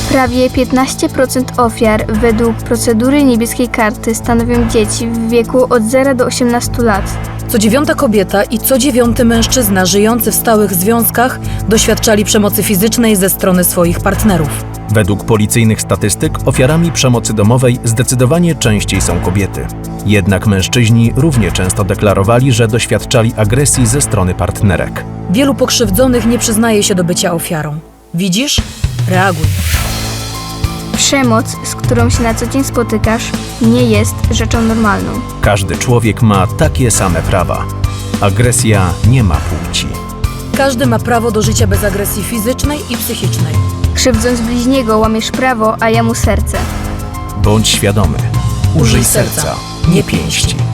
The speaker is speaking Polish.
Prawie 15% ofiar według procedury niebieskiej karty stanowią dzieci w wieku od 0 do 18 lat. Co 9. kobieta i co 9. mężczyzna żyjący w stałych związkach doświadczali przemocy fizycznej ze strony swoich partnerów. Według policyjnych statystyk ofiarami przemocy domowej zdecydowanie częściej są kobiety. Jednak mężczyźni równie często deklarowali, że doświadczali agresji ze strony partnerek. Wielu pokrzywdzonych nie przyznaje się do bycia ofiarą. Widzisz? Reaguj. Przemoc, z którą się na co dzień spotykasz, nie jest rzeczą normalną. Każdy człowiek ma takie same prawa. Agresja nie ma płci. Każdy ma prawo do życia bez agresji fizycznej i psychicznej. Krzywdząc bliźniego łamiesz prawo, a ja mu serce. Bądź świadomy. Użyj serca, nie pięści.